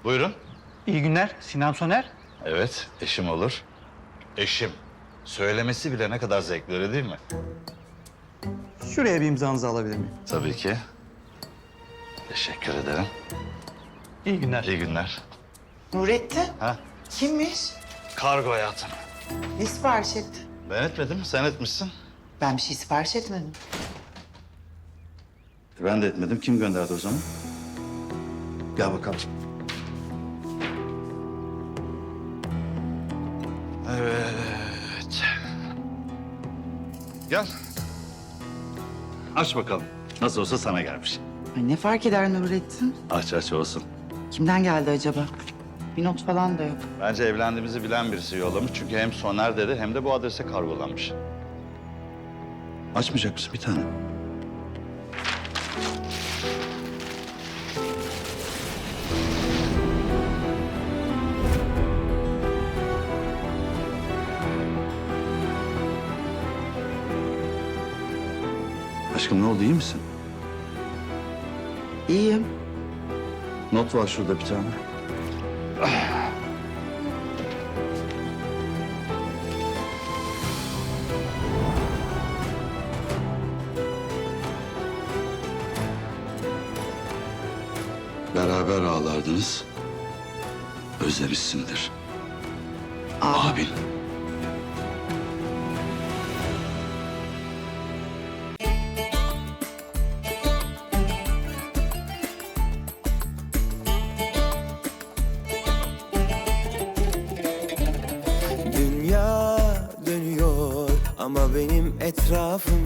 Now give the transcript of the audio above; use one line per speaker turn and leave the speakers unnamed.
Buyurun.
İyi günler, Sinan Soner.
Evet, eşim olur. Eşim. Söylemesi bile ne kadar zevkli, öyle değil mi?
Şuraya bir imzanızı alabilir miyim?
Tabii ki. Teşekkür ederim.
İyi günler.
İyi günler.
Nurettin,
Ha?
kimmiş?
Kargo hayatım.
Ne sipariş etti?
Ben etmedim, sen etmişsin.
Ben bir şey sipariş etmedim.
Ben de etmedim. Kim gönderdi o zaman? Gel bakalım. Evet. Gel. Aç bakalım. Nasıl olsa sana gelmiş.
Ay ne fark eder Nurettin?
Aç olsun.
Kimden geldi acaba? Bir not falan da yok.
Bence evlendiğimizi bilen birisi yollamış. Çünkü hem Soner dedi hem de bu adrese kargolanmış. Açmayacak mısın bir tane? Aşkım ne oldu, iyi misin?
İyiyim.
Not var şurada bir tane. Beraber ağlardınız. Özlemişsindir. Abin.
Dünya dönüyor ama benim etrafım